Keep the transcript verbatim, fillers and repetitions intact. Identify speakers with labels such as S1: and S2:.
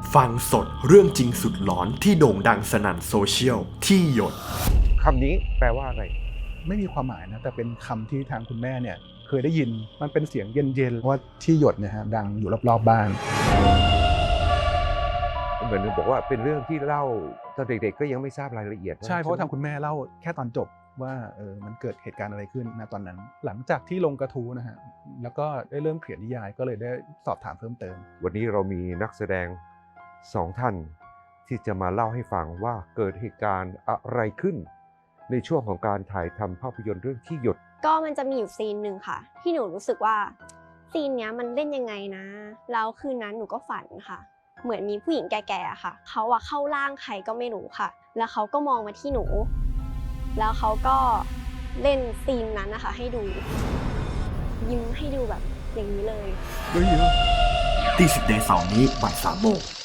S1: ฟังสดเรื่องจริงสุดหลอนที่โด่งดังสนั่นโซเชียลที่หยด
S2: คำนี้แปลว่าอะไร
S3: ไม่มีความหมายนะแต่เป็นคำที่ทางคุณแม่เนี่ยเคยได้ยินมันเป็นเสียงเย็นๆว่าที่หยดเนี่ยฮะดังอยู่รอบๆบ้าน
S2: เหมือนบอกว่าเป็นเรื่องที่เล่าตอนเด็กๆก็ยังไม่ทราบรายละเอียด
S3: ใช่เพราะทางคุณแม่เล่าแค่ตอนจบว่าเออมันเกิดเหตุการณ์อะไรขึ้นณตอนนั้นหลังจากที่ลงกระทู้นะฮะแล้วก็ได้เริ่มเขียนนิยายก็เลยได้สอบถามเพิ่มเติม
S2: วันนี้เรามีนักแสดงสองท่านที่จะมาเล่าให้ฟังว่าเกิดเหตุการณ์อะไรขึ้นในช่วงของการถ่ายทำภาพยนตร์เรื่องที่หยด
S4: ก็มันจะมีอยู่ซีนหนึ่งค่ะที่หนูรู้สึกว่าซีนเนี้ยมันเล่นยังไงนะแล้วคืนนั้นหนูก็ฝันค่ะเหมือนมีผู้หญิงแก่ๆค่ะเขาอะเข้าร่างใครก็ไม่รู้ค่ะแล้วเขาก็มองมาที่หนูแล้วเขาก็เล่นซีนนั้นนะคะให้ดูยิ้มให้ดูแบบอย่างนี้เลย
S1: ตีสิบเดย์เสาร์นี้บ่ายสามโมง